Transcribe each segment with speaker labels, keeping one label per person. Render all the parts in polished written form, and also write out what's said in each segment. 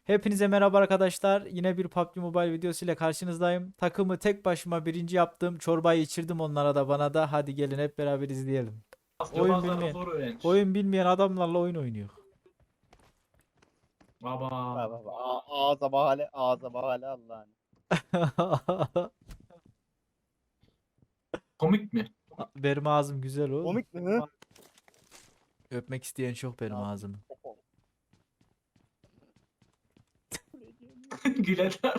Speaker 1: Hepinize merhaba arkadaşlar. Yine bir PUBG Mobile videosu ile karşınızdayım. Takımı tek başıma birinci yaptım. Çorbayı içirdim onlara da bana da. Hadi gelin hep beraber izleyelim. Oyun
Speaker 2: Yobazlarla
Speaker 1: bilmeyen,
Speaker 2: zor öğrenmiş.
Speaker 1: oyun bilmeyen adamlarla oyun oynuyor.
Speaker 2: Baba.
Speaker 3: Bak bak bak. Ağza bahane, ağza bahane Allah'ın.
Speaker 2: Komik mi?
Speaker 1: Benim ağzım güzel oğlum.
Speaker 3: Komik mi? Hı?
Speaker 1: Öpmek isteyen çok benim
Speaker 3: Ya,
Speaker 1: ağzımı.
Speaker 2: Güleler.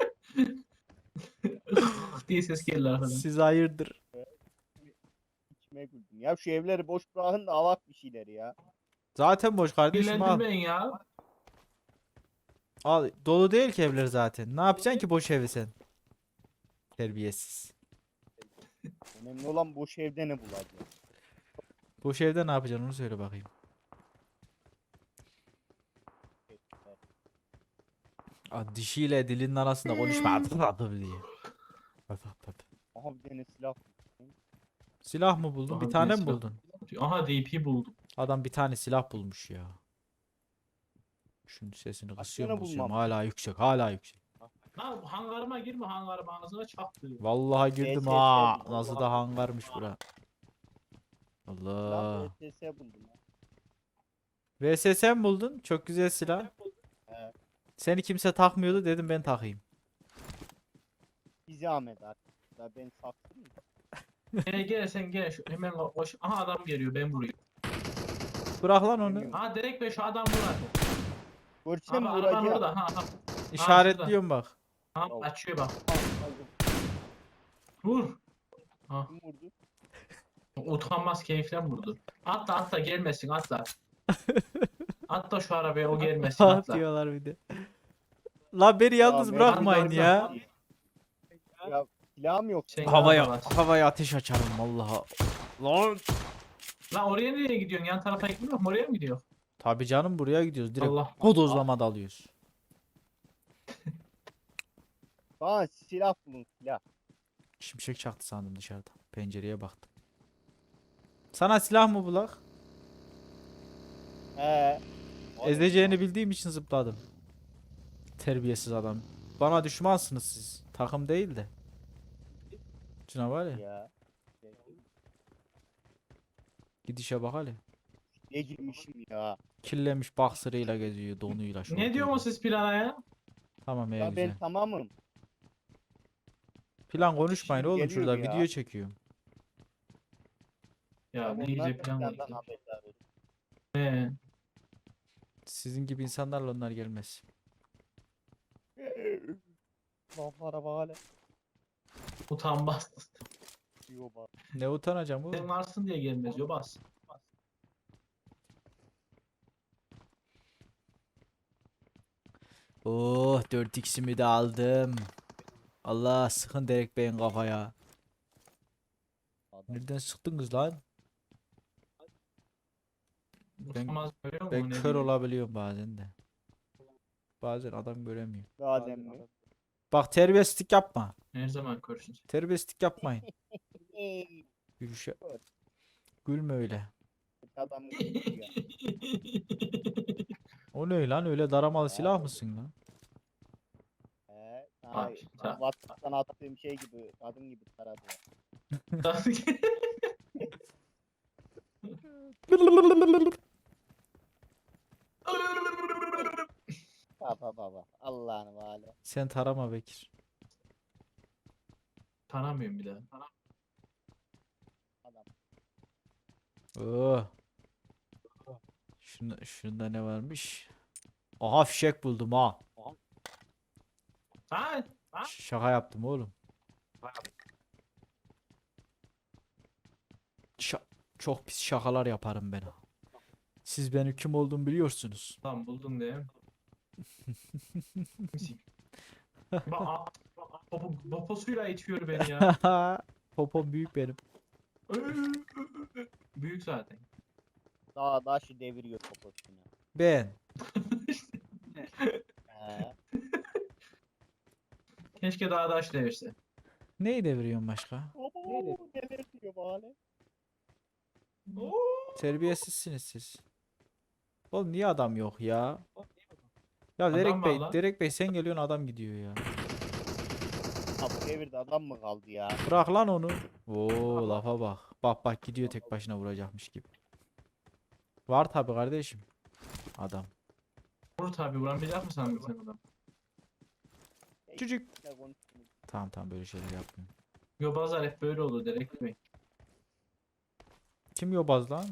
Speaker 2: diye ses geldi arkadan.
Speaker 1: Siz hayırdır?
Speaker 3: İçime güldüm. Ya şu evleri boş bırakın da alak bir şeyleri ya.
Speaker 1: Zaten boş kardeşim al.
Speaker 2: Dillendirmeyin ya.
Speaker 1: Al. Dolu değil ki evler zaten. Ne yapacaksın ki boş evi sen? Terbiyesiz.
Speaker 3: Önemli olan boş evde ne bulacağız.
Speaker 1: Boş evde ne yapacaksın onu söyle bakayım. Dişiyle dilinin arasında konuşma. Adı diye.
Speaker 3: Aha bir tane silah.
Speaker 1: Silah mı buldun? Bir
Speaker 2: Aha,
Speaker 1: tane mi
Speaker 2: silah.
Speaker 1: buldun?
Speaker 2: Aha DP buldum.
Speaker 1: Adam bir tane silah bulmuş ya. Şunun sesini
Speaker 3: Kaç
Speaker 1: kısıyorum
Speaker 3: tane
Speaker 1: kısıyorum.
Speaker 3: bulmam?
Speaker 1: Hala yüksek, hala yüksek.
Speaker 2: Ha hangarıma girme, hangarıma ağzına çaktı.
Speaker 1: Vallahi girdim
Speaker 3: VSS
Speaker 1: ha.
Speaker 3: buldum.
Speaker 1: Nasıl da hangarmış bura. Allah.
Speaker 3: Silah VSS buldum. Ya.
Speaker 1: VSS mi buldun? Çok güzel silah.
Speaker 3: He.
Speaker 1: Seni kimse takmıyordu dedim ben takayım.
Speaker 3: Bir zahmet artık. Ya ben saktım mı?
Speaker 2: Gel sen gel. Hemen koş. Aha adam geliyor ben vuruyorum.
Speaker 1: Bırak lan onu.
Speaker 2: Ha direkt be şu adam vur.
Speaker 3: Görçem
Speaker 2: Abi
Speaker 3: mi
Speaker 2: araban
Speaker 3: vuracağım?
Speaker 2: orada. Ha.
Speaker 1: İşaretliyorum bak.
Speaker 2: Ha
Speaker 3: Bravo.
Speaker 2: açıyor bak.
Speaker 3: Aldım.
Speaker 2: Vur. Ha.
Speaker 3: Kim vurdu?
Speaker 2: Utanmaz keyiften vurdu. Atla gelmesin atla. Atla şu arabaya o gelmesin
Speaker 1: Ah
Speaker 2: atla.
Speaker 1: diyorlar bir de. La beni yalnız
Speaker 3: Ya,
Speaker 1: bırakmayın
Speaker 2: ben-
Speaker 1: ya.
Speaker 3: Ya silahım yok.
Speaker 2: Sen
Speaker 1: Havaya
Speaker 2: yapamazsın.
Speaker 1: havaya ateş açarım vallahi. Lan.
Speaker 2: Lan oraya nereye gidiyorsun? Yan tarafa gitmiyor mu? Oraya mı gidiyor?
Speaker 1: Tabii canım buraya gidiyoruz. Direkt
Speaker 2: Allah.
Speaker 1: bodozlama dalıyoruz.
Speaker 3: Bana silah bulun silah.
Speaker 1: Şimşek çaktı sandım dışarıda. Pencereye baktım. Sana silah mı bulak?
Speaker 3: He.
Speaker 1: Ezeceğini bildiğim için zıpladım. Terbiyesiz adam. Bana düşmansınız siz. Takım değil de. Şuna var ya.
Speaker 3: Ya.
Speaker 1: Gidişe bak hele.
Speaker 3: Ne girmişim ya.
Speaker 1: Kirlenmiş boxer'ıyla geziyor. Donuyla
Speaker 2: Ne
Speaker 1: şortuyla.
Speaker 2: diyorsunuz siz plana ya?
Speaker 1: Tamam
Speaker 3: Ya
Speaker 1: güzel.
Speaker 3: ben tamamım.
Speaker 1: Plan konuşmayın
Speaker 3: Şimdi
Speaker 1: oğlum
Speaker 3: geliyor
Speaker 1: şurada
Speaker 3: ya.
Speaker 1: video çekiyorum.
Speaker 2: Ya ne
Speaker 3: Onlar
Speaker 2: iyice
Speaker 3: da
Speaker 2: plan
Speaker 3: senden
Speaker 2: var.
Speaker 3: haberdar.
Speaker 2: He.
Speaker 1: Sizin gibi insanlarla onlar gelmez.
Speaker 3: Laflara bak hele.
Speaker 2: Utanmaz.
Speaker 3: Diyor bak.
Speaker 1: Ne utanacağım oğlum.
Speaker 2: Sen varsın diye gelmez yobaz.
Speaker 1: Oh 4x'imi de aldım. Allah sıkın direkt beyin kafaya.
Speaker 3: Adam.
Speaker 1: Nereden sıktınız lan?
Speaker 2: Utanmaz görüyor musun?
Speaker 1: Ben
Speaker 2: Ne
Speaker 1: kör
Speaker 2: diyor?
Speaker 1: olabiliyorum bazen de. Bazen adam göremiyor.
Speaker 3: Bazen mi?
Speaker 1: Bak terbiyesizlik yapma.
Speaker 2: Her zaman körsün.
Speaker 1: Terbiyesizlik yapmayın.
Speaker 3: Ey,
Speaker 1: Yürüyüşe. Gülme öyle.
Speaker 3: adam ya.
Speaker 1: O ne lan öyle daramalı silah mısın lan?
Speaker 3: He,
Speaker 2: Bak,
Speaker 3: sana WhatsApp'tan attığım şey gibi, kadın gibi taradı. Baba baba. Allah'ını vale.
Speaker 1: Sen tarama Bekir.
Speaker 2: Tanımıyorum bir daha.
Speaker 3: Adam.
Speaker 1: Oh. Şunda ne varmış? Aha fişek buldum ha.
Speaker 2: Ha?
Speaker 1: Şaka yaptım oğlum. Çok pis şakalar yaparım ben. Siz benim kim olduğumu biliyorsunuz.
Speaker 2: Tamam buldun değil mi? Bak poposuyla itiyor beni ya.
Speaker 1: Popom büyük benim.
Speaker 2: Büyük zaten.
Speaker 3: Daha şu deviriyor poposunu.
Speaker 1: Ben.
Speaker 3: He.
Speaker 2: Keşke daha da aç devirse.
Speaker 1: Neyi deviriyorsun başka?
Speaker 3: Baba neler diyor vale.
Speaker 1: Terbiyesizsiniz siz. Oğlum niye adam yok ya? Ya
Speaker 2: Adam
Speaker 1: Derek
Speaker 2: var
Speaker 1: Bey,
Speaker 2: lan.
Speaker 1: Derek Bey sen geliyorsun adam gidiyor ya.
Speaker 3: Ha bu devirde adam mı kaldı ya?
Speaker 1: Bırak lan onu. Oo lafa bak. Bak bak gidiyor tek başına vuracakmış gibi. Var tabi kardeşim. Adam.
Speaker 2: Vur tabi vuramayacak mısın abi sen adam?
Speaker 1: Çocuk.
Speaker 3: Ne konuştunuz?
Speaker 1: Tamam tamam böyle şeyler yapmıyorum.
Speaker 2: Yobazlar hep böyle olur Derek Bey.
Speaker 1: Kim yobaz lan?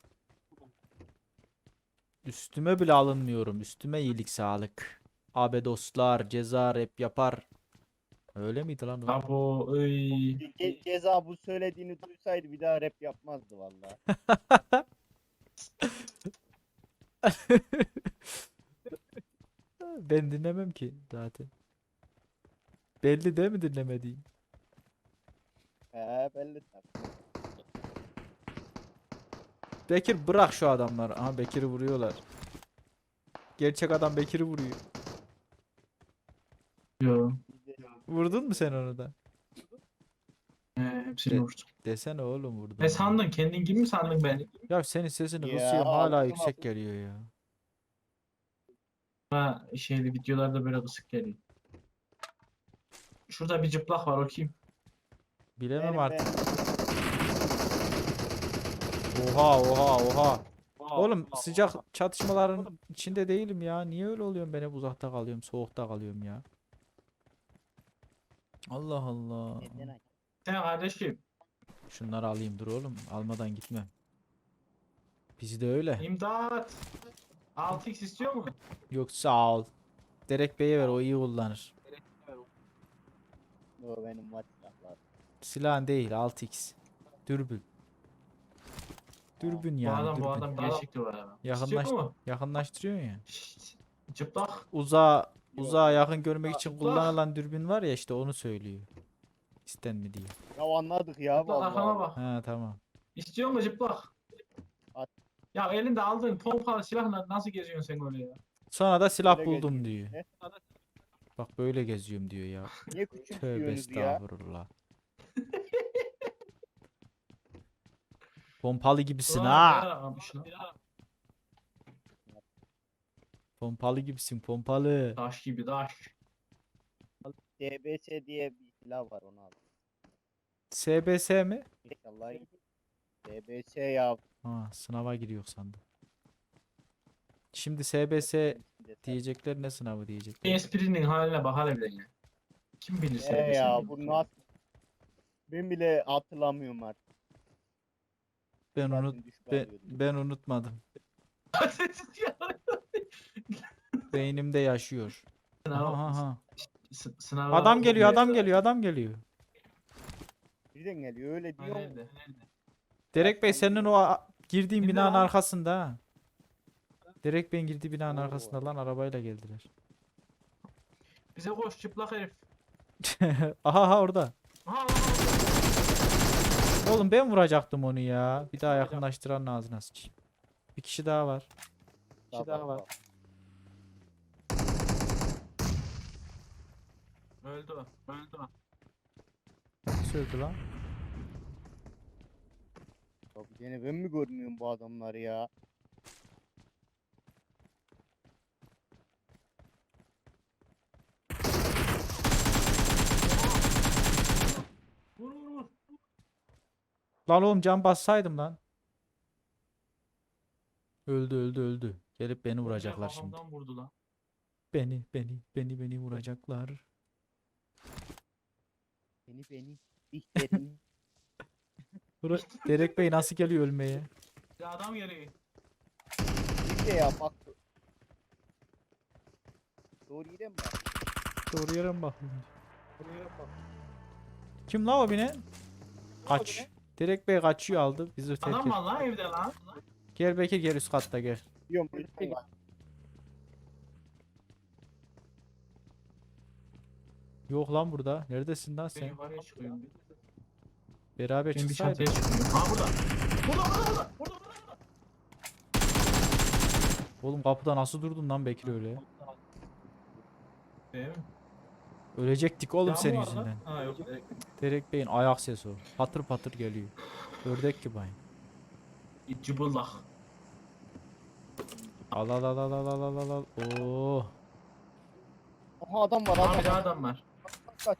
Speaker 1: Üstüme bile alınmıyorum. Üstüme iyilik sağlık. Abi dostlar ceza rap yapar. Öyle miydi lan o?
Speaker 2: Abo ıy.
Speaker 3: Ceza bu söylediğini duysaydı bir daha rap yapmazdı vallahi.
Speaker 1: Ben dinlemem ki zaten. Belli değil mi dinlemediğim?
Speaker 3: He belli tabii.
Speaker 1: Bekir bırak şu adamları. Aha Bekir'i vuruyorlar. Gerçek adam Bekir'i vuruyor.
Speaker 2: Yo.
Speaker 3: Biz de-
Speaker 1: Vurdun mu sen onu da?
Speaker 2: Hepsini
Speaker 1: De-
Speaker 2: vurdum.
Speaker 1: Desene oğlum vurdum.
Speaker 2: Ne sandın? Kendin gibi mi sandın beni?
Speaker 1: Ya senin sesini
Speaker 3: Ya,
Speaker 1: kısıyorum hala
Speaker 3: altıma
Speaker 1: yüksek
Speaker 3: bu-
Speaker 1: geliyor ya.
Speaker 2: Ha şeyli videolarda böyle kısık geliyor. Şurada bir cıplak var o kim?
Speaker 1: Bilemem
Speaker 3: Benim,
Speaker 1: artık.
Speaker 3: benim.
Speaker 1: Oha oha oha. Oğlum sıcak çatışmaların içinde değilim ya. Niye öyle oluyorum ben hep uzakta kalıyorum, soğukta kalıyorum ya. Allah Allah.
Speaker 3: Neden aç?
Speaker 2: Sen kardeşim.
Speaker 1: Şunları alayım dur oğlum. Almadan gitmem. Bizde öyle.
Speaker 2: İmdat. 6x istiyor mu?
Speaker 1: Yok sağ ol. Derek Bey'e ver o iyi kullanır.
Speaker 3: O benim var silahlar.
Speaker 1: Silahın değil 6x. Dürbün. Dürbün
Speaker 2: Bu
Speaker 1: yani
Speaker 2: adam bu
Speaker 1: dürbün.
Speaker 2: adam gerçekti var abi.
Speaker 1: Yakınlaş
Speaker 2: İstiyor mu?
Speaker 1: yakınlaştırıyorsun ya.
Speaker 2: Şşt, cıplak.
Speaker 1: Uzağa yakın görmek için
Speaker 2: Bak.
Speaker 1: kullanılan dürbün var ya işte onu söylüyor. İsten mi diye.
Speaker 3: Ya anladık ya
Speaker 2: Cıplak arkama
Speaker 3: vallahi.
Speaker 2: bak.
Speaker 1: Ha tamam.
Speaker 2: İstiyor mu cıplak?
Speaker 3: At.
Speaker 2: Ya elinde aldığın pompalı silahla nasıl geziyorsun sen öyle ya?
Speaker 1: Sonra da silah
Speaker 3: Böyle
Speaker 1: buldum
Speaker 3: geziyor
Speaker 1: diyor.
Speaker 3: işte.
Speaker 1: Bak böyle geziyorum diyor ya.
Speaker 3: Niye
Speaker 1: Tövbe
Speaker 3: küçümsüyorsunuz ya?
Speaker 1: estağfurullah. Pompalı gibisin
Speaker 2: Ulan
Speaker 1: ha.
Speaker 2: neler aramış lan?
Speaker 1: Pompalı gibisin pompalı.
Speaker 2: Taş gibi taş.
Speaker 3: DBS diye bir silah var onu al.
Speaker 1: SBS mi?
Speaker 3: İnşallah iyi. DBS ya.
Speaker 1: Ha sınava giriyor sandım. Şimdi SBS diyecekler ne sınavı
Speaker 2: Bir
Speaker 1: diyecekler.
Speaker 2: esprinin haline bak hele bile ya. Kim bilir sen de
Speaker 3: Ya
Speaker 2: sen
Speaker 3: bu
Speaker 2: bilir.
Speaker 3: nasıl? Ben bile hatırlamıyorum artık.
Speaker 1: Ben
Speaker 3: Zaten
Speaker 1: unut
Speaker 3: düşük
Speaker 1: ben,
Speaker 3: alıyordum.
Speaker 1: ben unutmadım. Beynimde yaşıyor. Aha, aha.
Speaker 2: Sınav
Speaker 1: Adam geliyor adam geliyor adam geliyor.
Speaker 3: Birden geliyor öyle diyor.
Speaker 2: Nerede?
Speaker 1: Derek Bey senin o girdiğin
Speaker 2: Kimde
Speaker 1: binanın
Speaker 2: lan?
Speaker 1: arkasında ha. Derek Bey'in girdiği binanın
Speaker 3: Oo.
Speaker 1: arkasında lan arabayla geldiler.
Speaker 2: Bize koş çıplak herif.
Speaker 1: Aha aha orada.
Speaker 2: Aha,
Speaker 1: Oğlum ben vuracaktım onu ya. Bir daha yakınlaştıran ağzına sıçayım. Bir kişi daha var. Bir kişi daha var.
Speaker 2: öldü o. Öldü o.
Speaker 1: Söyledi lan.
Speaker 3: Tabii gene ben mi görmüyorum bu adamları ya?
Speaker 2: Vur vur vur.
Speaker 1: Lan oğlum can bassaydım lan. Öldü öldü öldü. Gelip beni vuracaklar şimdi.
Speaker 2: Kafamdan vurdu lan.
Speaker 1: Beni vuracaklar.
Speaker 3: Beni. İhterini.
Speaker 1: Derek Bey nasıl geliyor ölmeye?
Speaker 2: Bir adam geliyor.
Speaker 3: Bir de ya bak. Doğru yere mi bak?
Speaker 1: Doğru yere mi bakıyorum? Kim la o bine? Kaç. Derek Bey kaçıyor aldı. Bizi terk
Speaker 2: Adam
Speaker 1: etti.
Speaker 2: var lan evde lan.
Speaker 1: Gel Bekir gel üst katta gel.
Speaker 3: Diyorum lütfen bak.
Speaker 1: Yok lan burada. Neredesin lan
Speaker 2: Ben
Speaker 1: sen?
Speaker 2: yukarıya çıkıyorum.
Speaker 1: Beraber
Speaker 2: Ben bir
Speaker 1: çıksaydık.
Speaker 2: çatıya çıkıyorum. Ha burada. Burada.
Speaker 1: Oğlum kapıda nasıl durdun lan Bekir öyle?
Speaker 2: Değil mi?
Speaker 1: Ölecektik oğlum
Speaker 2: Yağmur
Speaker 1: senin
Speaker 2: var lan.
Speaker 1: yüzünden.
Speaker 2: Ha yok.
Speaker 1: Derek Bey'in ayak sesi o. Patır patır geliyor. Ördek gibi aynı.
Speaker 2: Cıbıldak.
Speaker 1: Al al al al al al al al al. Oo.
Speaker 3: Aha adam var
Speaker 2: Abi de
Speaker 3: adam.
Speaker 2: adam var.
Speaker 3: Kaç.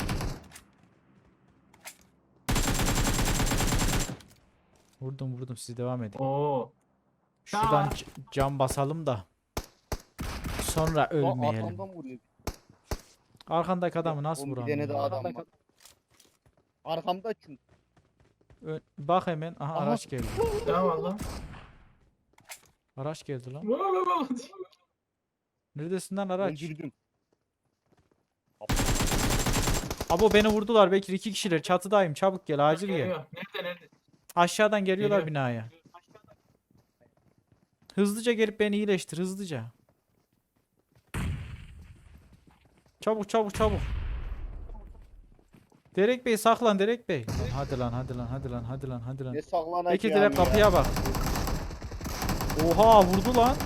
Speaker 1: Vurdum siz devam edin.
Speaker 2: Oo.
Speaker 1: Şuradan
Speaker 2: Aa.
Speaker 1: cam basalım da. Sonra
Speaker 3: Lan
Speaker 1: ölmeyelim.
Speaker 3: arkamdan vuruyor.
Speaker 1: Arkandaki adamı nasıl
Speaker 3: Oğlum bir
Speaker 1: vuramıyor?
Speaker 3: tane daha adam var. Arkamda çünkü.
Speaker 1: Bak hemen. Aha,
Speaker 3: Aha.
Speaker 1: araç geldi.
Speaker 2: Tamam lan.
Speaker 1: Araç geldi lan.
Speaker 2: Lan.
Speaker 1: Neredesin lan araç?
Speaker 3: Öldürdüm.
Speaker 1: Abo beni vurdular Bekir, 2 kişiler çatıdayım, çabuk gel, acil gel.
Speaker 2: Geliyor. Nerede?
Speaker 1: Aşağıdan geliyorlar
Speaker 2: Geliyor.
Speaker 1: binaya. Hızlıca gelip beni iyileştir, hızlıca. Çabuk. Derek Bey saklan, Derek Bey. Lan hadi lan.
Speaker 3: Ne saklanacağım
Speaker 1: Bekir direkt
Speaker 3: ya.
Speaker 1: kapıya bak. Oha vurdu lan.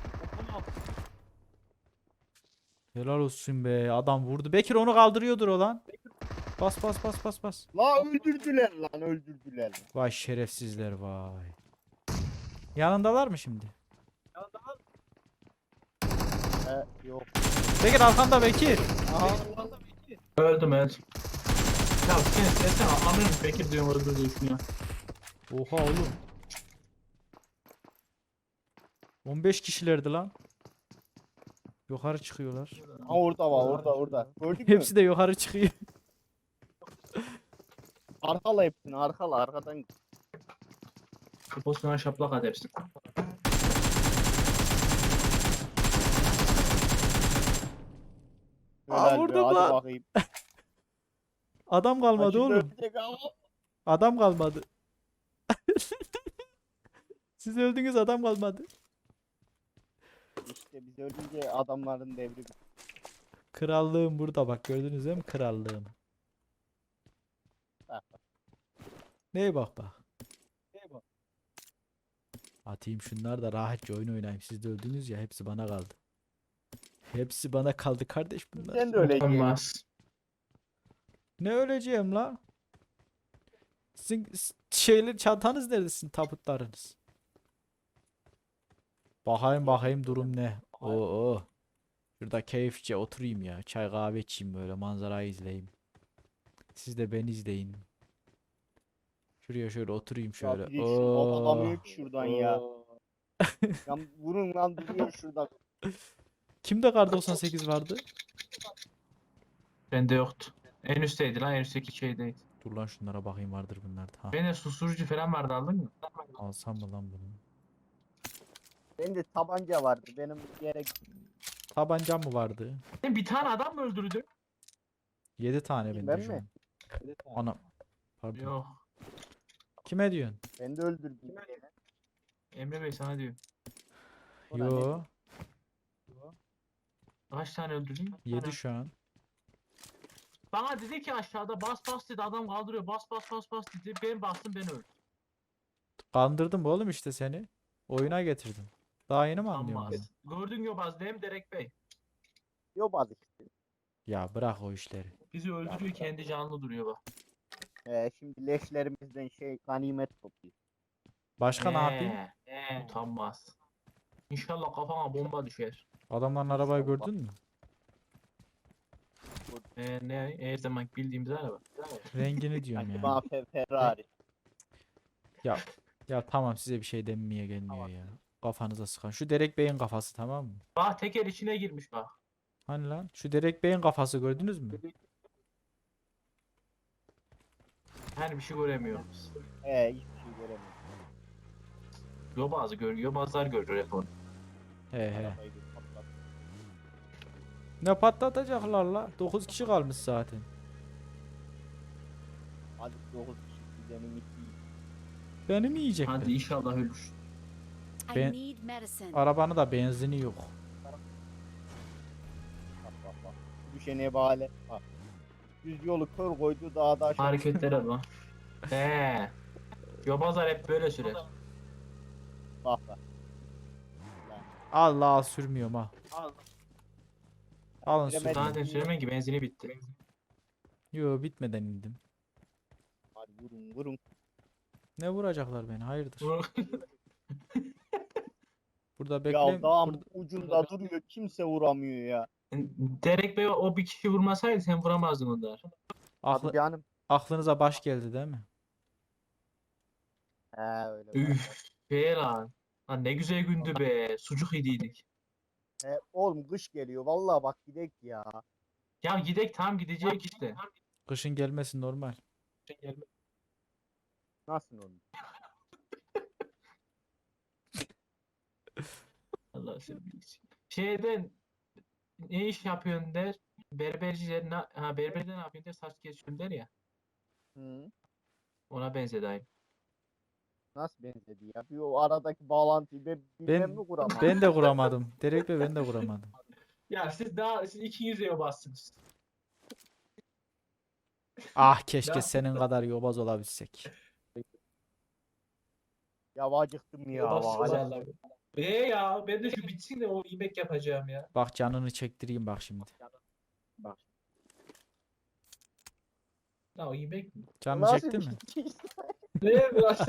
Speaker 1: Helal olsun be, adam vurdu. Bekir onu kaldırıyordur o lan. Bas.
Speaker 3: La öldürdüler.
Speaker 1: Vay şerefsizler vay. Yanındalar mı şimdi?
Speaker 3: Yok.
Speaker 1: Bekir arkanda Bekir.
Speaker 3: Aha.
Speaker 2: Öldüm. Ya sen anlamıyorum. Bekir diyorum öldürdüğün ya.
Speaker 1: Oha oğlum. 15 kişilerdi lan. Yukarı çıkıyorlar.
Speaker 3: Ha orada var orada. Gördün mü?
Speaker 1: Hepsi de yukarı çıkıyor.
Speaker 3: Arkala hepsini arkadan.
Speaker 2: Kafasına şaplak at hepsini.
Speaker 3: Helal be,
Speaker 1: vurdum
Speaker 3: hadi
Speaker 1: lan.
Speaker 3: bakayım.
Speaker 1: Adam kalmadı
Speaker 3: Başında
Speaker 1: oğlum.
Speaker 3: ölecek ama.
Speaker 1: Adam kalmadı. Siz öldünüz, adam kalmadı.
Speaker 3: İşte biz ölünce adamların devri bitti.
Speaker 1: Krallığım burada bak, gördünüz değil mi krallığım?
Speaker 3: Bak,
Speaker 1: Neye bak. Atayım şunlar da rahatça oyun oynayayım. Siz de öldünüz ya, hepsi bana kaldı. Hepsi bana kaldı kardeş bunlar.
Speaker 3: Sen de öleceksin.
Speaker 2: Olmaz.
Speaker 1: Ne öleceğim la? Sizin şeyler, çantanız nerede, sizin tabutlarınız? Bakayım durum ne? Oo. Şurada keyifçe oturayım ya. Çay kahve içeyim, böyle manzarayı izleyeyim. Siz de beni izleyin. Şuraya şöyle oturayım
Speaker 3: Ya
Speaker 1: şöyle.
Speaker 3: bir de şu atamıyor
Speaker 1: Oo.
Speaker 3: ki şuradan ya. Ya vurun lan duruyor şurada.
Speaker 1: Kimde kar 98 vardı?
Speaker 2: Bende yoktu. En üstteydi lan. En üstteki şeydeydi.
Speaker 1: Dur lan şunlara bakayım, vardır bunlarda. Ha,
Speaker 2: Bende susturucu falan vardı, aldın mı?
Speaker 1: alsam mı lan bunu?
Speaker 3: Bende tabanca vardı. Benim yere
Speaker 1: Tabancam mı vardı?
Speaker 2: Sen bir tane adam mı öldürdün?
Speaker 1: 7 tane
Speaker 3: Ben
Speaker 1: bende şu
Speaker 3: mi?
Speaker 1: an. Ana. Pardon.
Speaker 2: Yok.
Speaker 1: Kime diyorsun?
Speaker 3: Ben de öldürdüm.
Speaker 2: Emre Bey sana diyor.
Speaker 3: Ona
Speaker 1: Yo.
Speaker 2: Kaç tane öldürdün?
Speaker 1: 7 şu an.
Speaker 2: Bana dedi ki aşağıda bas dedi, adam kaldırıyor, bas dedi. Ben bastım, ben öldüm.
Speaker 1: Kandırdım oğlum işte seni. Oyuna getirdim. Daha yeni mi anlıyorsun bunu?
Speaker 2: Ama gördün yobaz değil mi Derek Bey?
Speaker 3: Yobaz işte.
Speaker 1: Ya bırak o işleri.
Speaker 2: Bizi öldürüyor, kendi canlı duruyor bak.
Speaker 3: Şimdi leşlerimizden ganimet topluyor.
Speaker 1: Başka ne yapayım?
Speaker 2: Utanmaz. İnşallah kafana bomba düşer.
Speaker 1: Adamların arabayı
Speaker 3: İnşallah.
Speaker 1: gördün mü?
Speaker 2: Ne her zaman bildiğimiz araba.
Speaker 1: Rengini diyorum
Speaker 3: Sanki
Speaker 1: ya.
Speaker 3: bana Ferrari.
Speaker 1: Ya tamam, size bir şey denmeye gelmiyor ya. Kafanıza sıkan. Şu Derek Bey'in kafası, tamam mı?
Speaker 2: Bak teker içine girmiş bak.
Speaker 1: Hani lan? Şu Derek Bey'in kafası gördünüz mü?
Speaker 2: Her bir şey göremiyoruz.
Speaker 3: Hiçbir şey göremiyorum.
Speaker 2: Yobazlar görüyor hep onu.
Speaker 1: He.
Speaker 3: Arabayı bir patlat.
Speaker 1: Ne patlatacaklar la? 9 kişi kalmış zaten.
Speaker 3: Hadi 9 kişi benim iki.
Speaker 1: Beni mi yiyecekler?
Speaker 2: Hadi inşallah ölür.
Speaker 1: Ben-
Speaker 4: I need medicine.
Speaker 1: Arabanın da benzini yok.
Speaker 3: Bak. Düşene bağlı. Bak. Düz yolu kör koydu dağda aşağı.
Speaker 2: Hareketlere bak. Yobazlar hep böyle sürer.
Speaker 3: Bak.
Speaker 1: Allah sürmüyorum ha. Alın
Speaker 3: Bilemedim.
Speaker 1: sürün.
Speaker 2: Zaten süremen ki benzini bitti.
Speaker 1: Yo, bitmeden indim.
Speaker 3: Hadi vurun.
Speaker 1: Ne vuracaklar beni? Hayırdır? Burada
Speaker 3: Ya
Speaker 1: bekle.
Speaker 3: dağın ucunda duruyor kimse vuramıyor ya.
Speaker 2: Derek Bey o bir kişi vurmasaydı sen vuramazdın onlar.
Speaker 3: Hadi canım.
Speaker 1: Aklınıza baş geldi değil mi?
Speaker 3: He öyle.
Speaker 2: Üf be lan. Lan ne güzel gündü be. Sucuk yediydik.
Speaker 3: He, oğlum kış geliyor. Vallahi bak gidek ya.
Speaker 2: Ya gidek tam gidecek işte.
Speaker 1: Kışın gelmesi normal.
Speaker 3: Nasıl oğlum?
Speaker 2: Allah seni bilsin. Şeyden ne iş yapıyorsun der. Berberciler berberde ne yapıyorsun der. Saç kesiyorsun der ya.
Speaker 3: Hı.
Speaker 2: Ona benzedi aynı.
Speaker 3: Nasıl benzedi ya? Bir o aradaki bağlantıyı bilmem mi kuramadım.
Speaker 1: Ben de kuramadım. Direkt ben de kuramadım.
Speaker 2: Ya siz ikiniz de bassınız.
Speaker 1: Ah keşke
Speaker 2: Ya.
Speaker 1: senin kadar yobaz olabilsek.
Speaker 3: Ya acıktım ya.
Speaker 2: Bassınız
Speaker 3: Hala.
Speaker 2: Allah. Ya ben de şu bitsin de o yemek yapacağım ya.
Speaker 1: Bak canını çektireyim bak şimdi.
Speaker 3: Bak.
Speaker 2: Ya o yemek mi?
Speaker 1: Canını
Speaker 3: Nasıl
Speaker 1: çekti mi?
Speaker 3: bir şey?
Speaker 2: Ne biraz?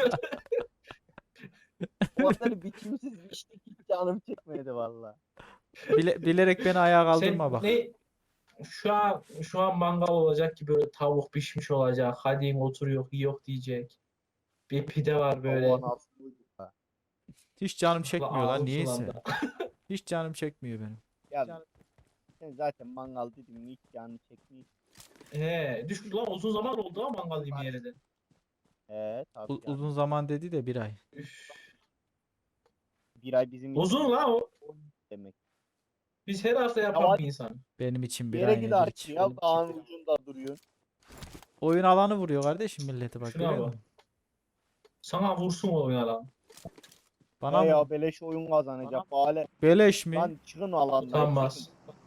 Speaker 3: O kadar biçimsiz bir şey hiç canım çekmedi valla.
Speaker 1: Bilerek beni ayağa
Speaker 2: Sen
Speaker 1: kaldırma bak.
Speaker 2: ne? Şu an mangal olacak ki böyle tavuk pişmiş olacak. Hadi oturuyor, yok diyecek. Bir pide var böyle.
Speaker 3: Allah'ın aslıydı.
Speaker 1: Hiç canım çekmiyor lan
Speaker 2: Ağzım
Speaker 1: niyeyse.
Speaker 2: sulandı.
Speaker 1: Hiç canım çekmiyor benim.
Speaker 3: Ya sen zaten mangal dedim mi hiç canını çekmiyor.
Speaker 2: Düştü lan uzun zaman oldu ha mangal yemeyeli de.
Speaker 3: Tabii canım.
Speaker 1: Uzun zaman dedi de bir ay.
Speaker 2: Üf.
Speaker 3: Bir ay bizim için
Speaker 2: Uzun lan o.
Speaker 3: demek.
Speaker 2: Biz her hafta yapan
Speaker 3: hadi.
Speaker 2: bir insan.
Speaker 1: Benim için bir
Speaker 3: Yere
Speaker 1: ay
Speaker 3: git
Speaker 1: nedir
Speaker 3: artık
Speaker 1: ki?
Speaker 3: ya. Dağın ucunda duruyorsun.
Speaker 1: Oyun alanı vuruyor kardeşim milleti bak
Speaker 2: Şuna
Speaker 1: görüyor
Speaker 2: bak.
Speaker 1: musun?
Speaker 2: Sana vursun o yalan.
Speaker 1: Bana
Speaker 3: He ya
Speaker 1: mı?
Speaker 3: beleş oyun kazanacak. Bale.
Speaker 1: Beleş mi?
Speaker 3: Lan çıkın alandan.
Speaker 2: Utanmaz.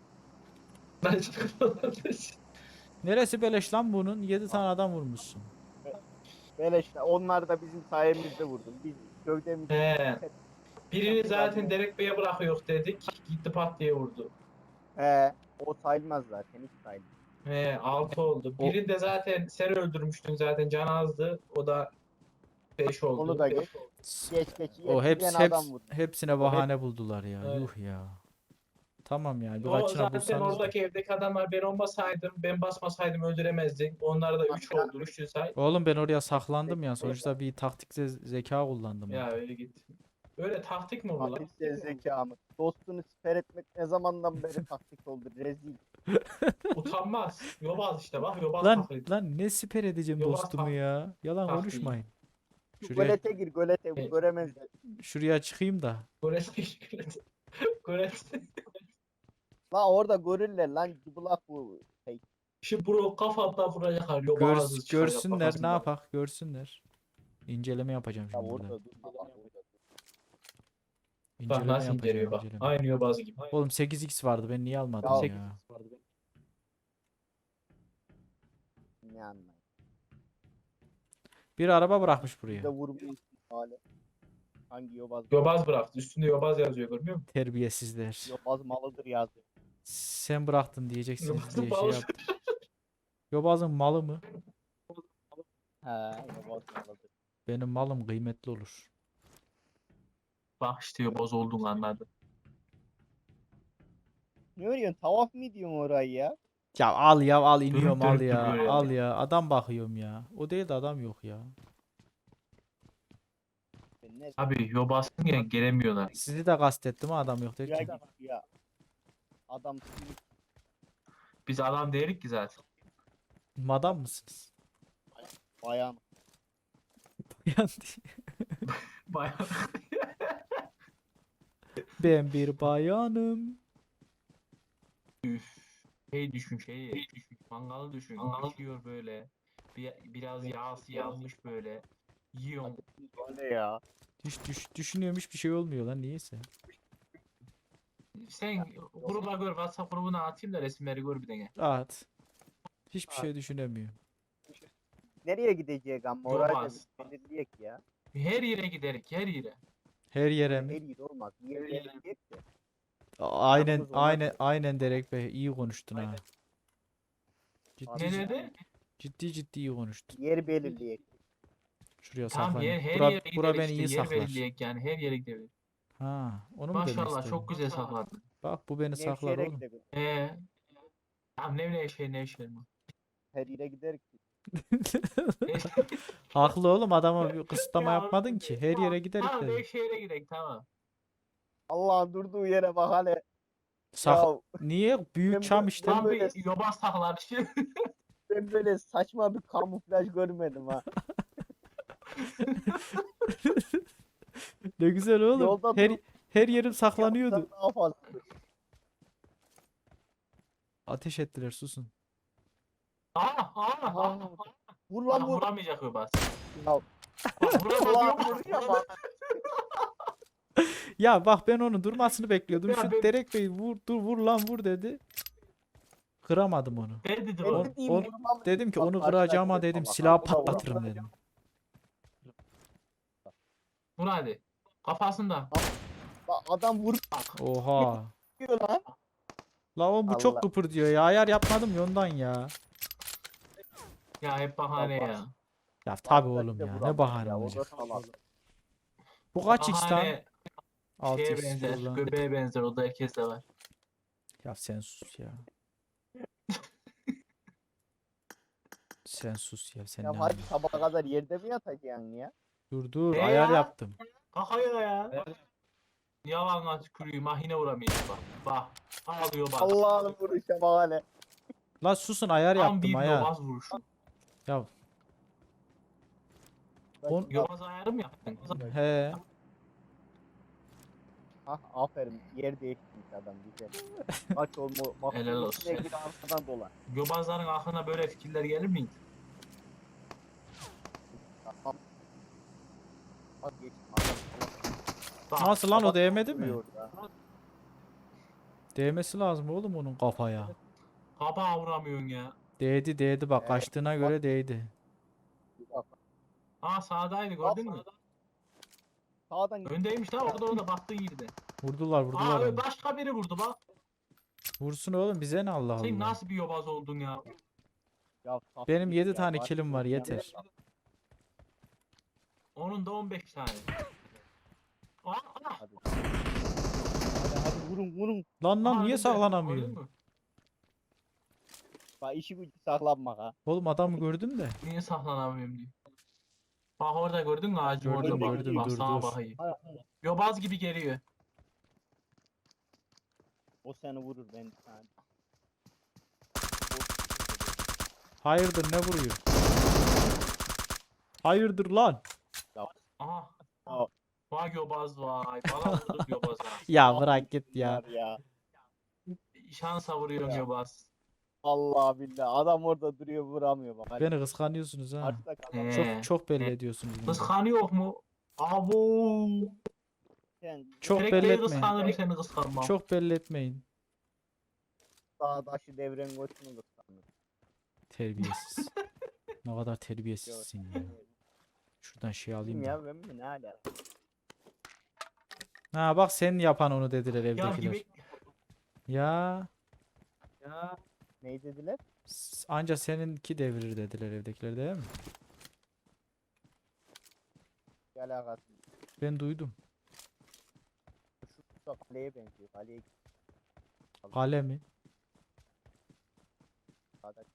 Speaker 1: Neresi beleş lan bunun? 7 tane adam vurmuşsun.
Speaker 3: Beleş. Onlar da bizim sayemizde vurdu. Biz gövdemizi
Speaker 2: He. Birini zaten Derek Bey'e bırakıyor dedik. Gitti pat diye vurdu.
Speaker 3: O sayılmaz zaten. Hiç sayılmaz.
Speaker 2: 6 oldu.
Speaker 1: O-
Speaker 2: Birini de zaten sen öldürmüştün zaten can azdı. O da 5 oldu.
Speaker 3: Onu da geç. Geç geç.
Speaker 1: O
Speaker 3: Yetkilen adam vurdu.
Speaker 1: hepsine bahane buldular ya.
Speaker 2: Evet.
Speaker 1: Yuh ya. Tamam yani
Speaker 2: O
Speaker 1: birkaçına
Speaker 2: zaten
Speaker 1: bulsanız da.
Speaker 2: oradaki evdeki adamlar ben olmasaydım, ben basmasaydım öldüremezdin. Onlar da 3 oldu. 3'ü say.
Speaker 1: Oğlum ben oraya saklandım ya. Sonuçta bir taktik zeka kullandım
Speaker 2: Ya
Speaker 1: orada.
Speaker 2: öyle git. Öyle taktik mi olur lan?
Speaker 3: Taktiksel zekamı. Dostunu siper etmek ne zamandan beri taktik oldu. Rezil.
Speaker 2: Utanmaz. Yobaz işte bak yobaz
Speaker 1: Lan
Speaker 2: taklidi.
Speaker 1: lan ne siper edeceğim
Speaker 2: Yobaz
Speaker 1: dostumu
Speaker 2: tak-
Speaker 1: ya. Yalan
Speaker 2: taktiği.
Speaker 1: konuşmayın. Şuraya
Speaker 3: Gölete gir gölete
Speaker 2: Evet.
Speaker 3: göremezler.
Speaker 1: şuraya çıkayım da.
Speaker 2: Göretse.
Speaker 3: La orada görürler lan cıbılak bu.
Speaker 2: Şu bro kafamda vuracaklar. Yobazız çıkacak
Speaker 1: Görsünler ne
Speaker 2: kafasından.
Speaker 1: yapak görsünler. İnceleme yapacağım
Speaker 3: Ya
Speaker 1: şimdi burada.
Speaker 3: orada dur. Bak orada dur.
Speaker 2: Bak
Speaker 1: İnceleme
Speaker 2: nasıl
Speaker 1: yapacağım
Speaker 2: inceliyor bak.
Speaker 1: inceleme.
Speaker 2: Aynı yobaz gibi.
Speaker 1: Oğlum 8x vardı ben niye almadım
Speaker 3: Ya-
Speaker 1: ya?
Speaker 3: Ne anlayın.
Speaker 1: Bir araba bırakmış
Speaker 3: Bir de
Speaker 1: buraya.
Speaker 3: vurmuyor hale. Hangi yobaz?
Speaker 2: Yobaz bıraktı. Üstünde yobaz yazıyor görmüyor musun?
Speaker 1: Terbiyesizler.
Speaker 3: Yobaz malıdır yazdı.
Speaker 1: Sen bıraktın diyeceksiniz
Speaker 2: Yobazın
Speaker 1: diye şey
Speaker 2: malı.
Speaker 1: yap. Yobazın malı mı?
Speaker 3: He yobaz malıdır.
Speaker 1: Benim malım kıymetli olur.
Speaker 2: Bak işte yobaz olduğunu anladı.
Speaker 3: Ne örüyorsun? Tavaf mı ediyorsun orayı ya?
Speaker 1: Ya al iniyorum al
Speaker 2: dönüp
Speaker 1: ya.
Speaker 2: duruyor
Speaker 1: Al ya. Adam bakıyorum ya. O değil de adam yok ya.
Speaker 3: Ben ne?
Speaker 2: Abi yobazsın ya gelemiyorlar.
Speaker 1: Sizi de kastettim ha adam yok
Speaker 3: Ya
Speaker 1: derken.
Speaker 3: git ya. Adam sinir
Speaker 2: Biz adam değilik ki zaten.
Speaker 1: Madam mısınız?
Speaker 3: bayan.
Speaker 1: Yani
Speaker 2: Bayağı.
Speaker 1: ben bir bayanım.
Speaker 2: Şey düşün. Mangalı düşün. Pişiyor böyle. Biraz yağsı yanmış böyle. Yiyorum.
Speaker 3: O ne ya?
Speaker 1: Hiç düşünüyorum hiçbir şey olmuyor lan niyeyse.
Speaker 2: Sen gruba gör. WhatsApp grubuna atayım da resimleri gör bir de.
Speaker 1: Rahat. Hiçbir şey düşünemiyorum.
Speaker 3: Nereye gidecek ama orayı da
Speaker 2: Yobaz.
Speaker 3: belirleyek ya.
Speaker 2: Her yere giderik. Her yere.
Speaker 1: Her yere mi?
Speaker 3: Her yer olmaz. Bir yer belirleyek de.
Speaker 1: Aynen
Speaker 3: Yalnız ona
Speaker 1: aynen
Speaker 3: göre.
Speaker 1: aynen Derek Bey iyi konuştun ha.
Speaker 2: Aynen.
Speaker 1: Ciddi
Speaker 2: Ne
Speaker 1: ciddi,
Speaker 2: dedi?
Speaker 1: ciddi iyi konuştun.
Speaker 3: Yer belirleyek.
Speaker 1: Şuraya
Speaker 2: Tamam
Speaker 1: saklanayım.
Speaker 2: her
Speaker 1: Bura,
Speaker 2: yere
Speaker 1: bura
Speaker 2: giderik
Speaker 1: beni
Speaker 2: işte.
Speaker 1: iyi
Speaker 2: Yer
Speaker 1: saklar.
Speaker 2: belirleyek yani. Her yere gidebiliriz.
Speaker 1: Ha, onu mu demek
Speaker 2: Maşallah
Speaker 1: istedin?
Speaker 2: çok güzel sakladın.
Speaker 1: Bak bu beni saklar
Speaker 3: Nevşehir'e
Speaker 1: oğlum.
Speaker 3: gidelim.
Speaker 2: Tamam ne şey mi?
Speaker 3: Her yere giderik.
Speaker 1: Haklı oğlum, adama bir kısıtlama
Speaker 2: Ya,
Speaker 1: yapmadın ki. Her yere giderik
Speaker 2: Tamam
Speaker 1: dedim.
Speaker 2: Nevşehir'e gidelim tamam.
Speaker 3: Allah'ın durduğu yere bak hele.
Speaker 1: Sak
Speaker 3: Ya
Speaker 1: Niye? Büyük
Speaker 3: ben
Speaker 1: çam
Speaker 3: bu-
Speaker 1: işte.
Speaker 3: ben
Speaker 2: Tam
Speaker 3: böyle
Speaker 2: bir yobaz taklar.
Speaker 3: ben böyle saçma bir kamuflaj görmedim ha.
Speaker 1: Ne güzel oğlum.
Speaker 3: Yolda
Speaker 1: Her
Speaker 3: durup
Speaker 1: her yerim saklanıyordu.
Speaker 3: yapsan daha fazla.
Speaker 1: Ateş ettiler, susun.
Speaker 3: Aa, vur lan
Speaker 2: Bak
Speaker 3: vur.
Speaker 2: vuramayacak yobaz.
Speaker 3: Ya,
Speaker 2: Bak vuramaz
Speaker 3: Allah
Speaker 2: yok.
Speaker 3: vuruyor bak.
Speaker 1: Ya bak, ben onun durmasını bekliyordum.
Speaker 2: Ya
Speaker 1: Şu
Speaker 2: ben-
Speaker 1: Derek Bey vur lan vur dedi. Kıramadım onu.
Speaker 2: Ne dedi
Speaker 3: Ben
Speaker 2: o?
Speaker 3: dediğim
Speaker 1: on-
Speaker 3: vurmam
Speaker 1: Dedim ki
Speaker 3: bak,
Speaker 1: onu
Speaker 3: karşıdaki
Speaker 1: kıracağıma
Speaker 3: de
Speaker 1: dedim
Speaker 3: bak,
Speaker 1: silahı
Speaker 3: bu da vuramaz.
Speaker 1: patlatırım dedim.
Speaker 2: Vur hadi. Kafasında.
Speaker 3: Bak, adam vuruyor
Speaker 1: Oha.
Speaker 3: lan.
Speaker 1: La oğlum bu çok
Speaker 3: Allah.
Speaker 1: kıpırdıyor ya. Ayar yapmadım ya ondan ya.
Speaker 2: Ya hep bahane
Speaker 3: Ya
Speaker 2: ya.
Speaker 1: Ya tabi
Speaker 3: Karşıdaki
Speaker 1: oğlum
Speaker 3: de
Speaker 1: ya. Ne
Speaker 3: vuramaz
Speaker 1: bahane
Speaker 3: ya, o da
Speaker 1: olacak.
Speaker 3: salak.
Speaker 1: Bu kaç x lan?
Speaker 2: Bahane
Speaker 1: 6
Speaker 2: şeye
Speaker 1: x
Speaker 2: benzer.
Speaker 1: lan.
Speaker 2: Göbeğe benzer. O da herkeste var.
Speaker 1: Ya sen sus ya. Sen sus ya. Sen
Speaker 3: Ya
Speaker 1: ne
Speaker 3: hadi
Speaker 1: anlıyorsun?
Speaker 3: sabaha kadar yerde mi yatacaksın ya?
Speaker 1: Dur
Speaker 2: Ne
Speaker 1: ayar
Speaker 2: ya?
Speaker 1: yaptım.
Speaker 2: Kakaya ya. Yalan tükürüğü mahine vuramıyor bak. Bak. Ağlıyor bak.
Speaker 3: Allah'ın vuruşa bak hele.
Speaker 1: La susun, ayar
Speaker 2: Tam
Speaker 1: yaptım
Speaker 2: bir
Speaker 1: ayar.
Speaker 2: yobaz vuruşu.
Speaker 1: Ya On-
Speaker 2: Yobaz ayarı mı yaptın?
Speaker 1: he.
Speaker 3: Hah aferin, yer değiştirmiş adam güzel. Aç olma bak,
Speaker 2: Helal olsun.
Speaker 3: içine gir arkadan dolan.
Speaker 2: Yobazların aklına böyle fikirler gelir miydi?
Speaker 3: Tamam. Bak geçtim adam.
Speaker 2: Bak.
Speaker 1: Nasıl lan, o
Speaker 3: Adam
Speaker 1: değmedi mi?
Speaker 3: vuruyor ya.
Speaker 1: Değmesi lazım oğlum onun kafaya.
Speaker 2: Kabağa vuramıyorsun ya.
Speaker 1: Değdi bak,
Speaker 3: Evet,
Speaker 1: kaçtığına göre değdi.
Speaker 3: Bak,
Speaker 2: Aa sağdaydı gördün mü?
Speaker 3: sağdan git.
Speaker 2: Öndeymiş lan orada baktığı yerde.
Speaker 1: Vurdular
Speaker 2: Aa
Speaker 1: onu.
Speaker 2: başka biri vurdu bak.
Speaker 1: Vursun oğlum, bize ne, Allah
Speaker 2: Sen
Speaker 1: Allah.
Speaker 2: nasıl bir yobaz oldun ya?
Speaker 3: Ya, saf
Speaker 1: Benim
Speaker 3: git
Speaker 1: 7
Speaker 3: ya,
Speaker 1: tane
Speaker 3: bak,
Speaker 1: kilim var, yeter.
Speaker 2: Onun da 15 tane. Aa,
Speaker 3: Hadi. Hadi vurun.
Speaker 1: Lan
Speaker 2: aa,
Speaker 1: niye
Speaker 2: önünde.
Speaker 1: saklanamıyor?
Speaker 2: Gördün mü?
Speaker 3: Bak işi gücü saklanmak ha.
Speaker 1: Oğlum adamı gördüm de.
Speaker 2: Niye saklanamıyorum diye. Bak orada gördün mü ağacın
Speaker 1: Gördüm,
Speaker 2: orada bak.
Speaker 3: gördüm,
Speaker 2: Bak
Speaker 1: dur,
Speaker 2: sağa
Speaker 1: dur.
Speaker 2: bakayım.
Speaker 3: Ha,
Speaker 2: Yobaz gibi geliyor.
Speaker 3: o seni vurur ben bir tane.
Speaker 1: Hayırdır, ne vuruyor? Hayırdır lan?
Speaker 2: Aha.
Speaker 3: Aa.
Speaker 2: Vay yobaz vay. Bana vurduk yobaza.
Speaker 1: Ya bırak git ya.
Speaker 3: Bunlar ya.
Speaker 2: Şansa vuruyorsun
Speaker 3: Ya.
Speaker 2: yobaz.
Speaker 3: Allah billah adam orada duruyor vuramıyor bak. Hadi.
Speaker 1: Beni kıskanıyorsunuz ha.
Speaker 3: Karşıda kalan
Speaker 1: Çok belli ediyorsunuz bunu.
Speaker 2: Kıskanıyor mu? Abo.
Speaker 3: sen
Speaker 1: Çok
Speaker 2: Direkt
Speaker 1: belli
Speaker 2: değil
Speaker 1: etmeyin.
Speaker 2: kıskanırım seni kıskanmam.
Speaker 1: Çok belli etmeyin.
Speaker 3: dağdaşı devren koçunu kıskanır.
Speaker 1: Terbiyesiz. Ne kadar terbiyesizsin ya. Şuradan şey alayım
Speaker 3: Kim
Speaker 1: da.
Speaker 3: ya ben mi ne ala?
Speaker 1: Ha bak, sen yapan onu dediler
Speaker 2: Ya
Speaker 1: evdekiler.
Speaker 2: gibi.
Speaker 1: Ya
Speaker 3: Ne dediler?
Speaker 1: anca seninki devirir dediler evdekiler, değil mi?
Speaker 3: Bir alakası.
Speaker 1: Ben duydum.
Speaker 3: Şu da kaleye benziyor. Kaleye
Speaker 1: Kale mi?
Speaker 3: dağda.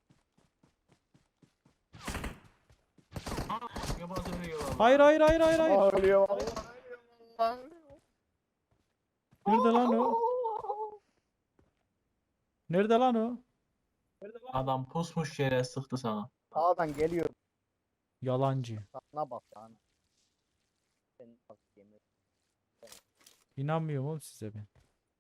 Speaker 2: Aa, yobaz ölüyor valla.
Speaker 1: Hayır.
Speaker 3: Ağlıyor.
Speaker 1: Nerede lan o? Nerede lan o?
Speaker 2: Adam pusmuş yere sıktı sana.
Speaker 3: Dağdan geliyor.
Speaker 1: Yalancı.
Speaker 3: Sana bak sana. Sen bak yemin.
Speaker 1: İnanmıyorum oğlum size ben.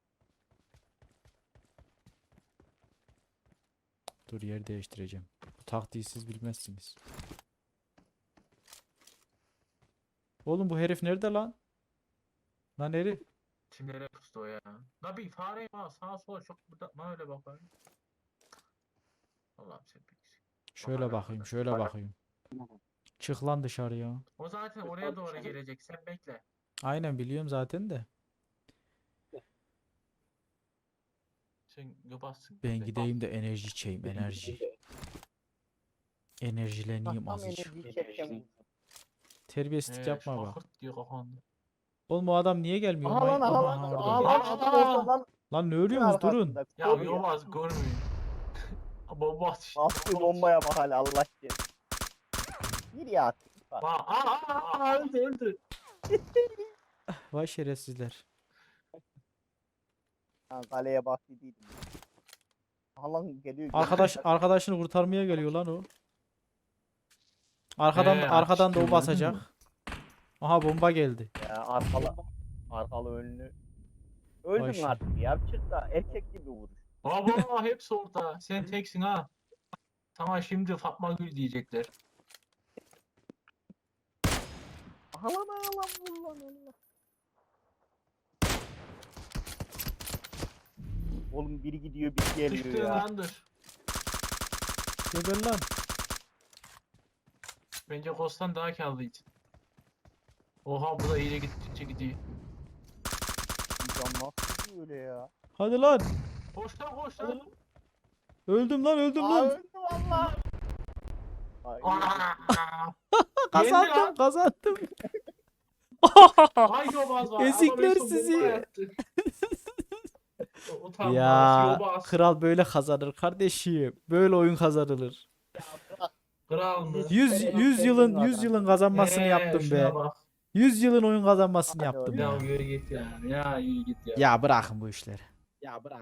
Speaker 1: Dur, yer değiştireceğim. Bu taktiği siz bilmezsiniz. Oğlum bu herif nerede lan? Lan herif.
Speaker 2: Şimdi nereye pustu o ya? La bir fare var sağa sola çok burada öyle bakar. Allah'ım sen bilirsin.
Speaker 1: Şöyle
Speaker 2: Bakar
Speaker 1: bakayım,
Speaker 2: arkadaş.
Speaker 1: şöyle bakayım. Çık lan dışarıya.
Speaker 2: O zaten oraya doğru gelecek. Sen bekle.
Speaker 1: Aynen, biliyorum zaten de.
Speaker 2: Sen yobazsın.
Speaker 1: Ben gideyim de enerji içeyim, enerji. Enerjileneyim
Speaker 3: Tam
Speaker 1: azıcık.
Speaker 3: enerjiyi çekeceğim.
Speaker 1: Terbiyesizlik yapma bak.
Speaker 2: Şakırt diyor kafanda.
Speaker 1: Oğlum o adam niye gelmiyor?
Speaker 3: Aha lan
Speaker 1: Aha,
Speaker 3: aha lan.
Speaker 1: aha, orada.
Speaker 3: Aha lan adam orada lan.
Speaker 1: Lan ne ölüyorsunuz durun.
Speaker 3: Arkasında
Speaker 2: Ya
Speaker 3: koruyor.
Speaker 2: Yobaz görmüyor. Bomba atış.
Speaker 3: Bastığı bombaya bak hala Allah aşkına. Nereye attı?
Speaker 2: Öldü.
Speaker 1: Vay şerefsizler.
Speaker 3: Ha, kaleye baktıydım. Aha lan geliyor.
Speaker 1: Arkadaşını kurtarmaya geliyor lan o. Arkadan da o
Speaker 2: açtı,
Speaker 1: basacak.
Speaker 2: değil mi?
Speaker 1: Aha bomba geldi.
Speaker 3: Ya arkalı önlü.
Speaker 1: Vay
Speaker 3: Öldün
Speaker 1: şey.
Speaker 3: artık ya. Çık da erkek gibi vuruş.
Speaker 2: Baba hepsi orada. Sen teksin ha. Tamam şimdi Fatma Gül diyecekler.
Speaker 3: Aha lan vur lan Allah. Oğlum biri gidiyor biri geliyor
Speaker 2: Sıçtığın
Speaker 3: ya.
Speaker 2: andır.
Speaker 1: Geber lan.
Speaker 2: Bence Ghost'tan daha karlıydı. Oha bu da iyice gittikçe gidiyor.
Speaker 3: İnsan nasıl gidiyor öyle ya?
Speaker 1: Hadi lan.
Speaker 2: Koş lan.
Speaker 1: Öldüm lan.
Speaker 3: Aa öldü valla. Ay,
Speaker 2: Aa!
Speaker 1: Kazandım.
Speaker 2: Ay Yobaz var.
Speaker 1: Ezikler
Speaker 2: Ama Mesut
Speaker 1: sizi.
Speaker 2: bomba attı. Utanmaz
Speaker 1: Ya
Speaker 2: Yobaz.
Speaker 1: kral böyle kazanır kardeşim. Böyle oyun kazanılır.
Speaker 2: Kral mı?
Speaker 1: 100 yılın kazanmasını yaptım
Speaker 2: şuna
Speaker 1: be.
Speaker 2: bak.
Speaker 1: 100 yılın oyun kazanmasını
Speaker 3: Hadi
Speaker 1: yaptım
Speaker 3: oğlum.
Speaker 2: Ya
Speaker 1: ya.
Speaker 2: yürü git ya. Ya yürü git ya.
Speaker 1: Ya bırakın bu işleri.
Speaker 3: Ya bırak.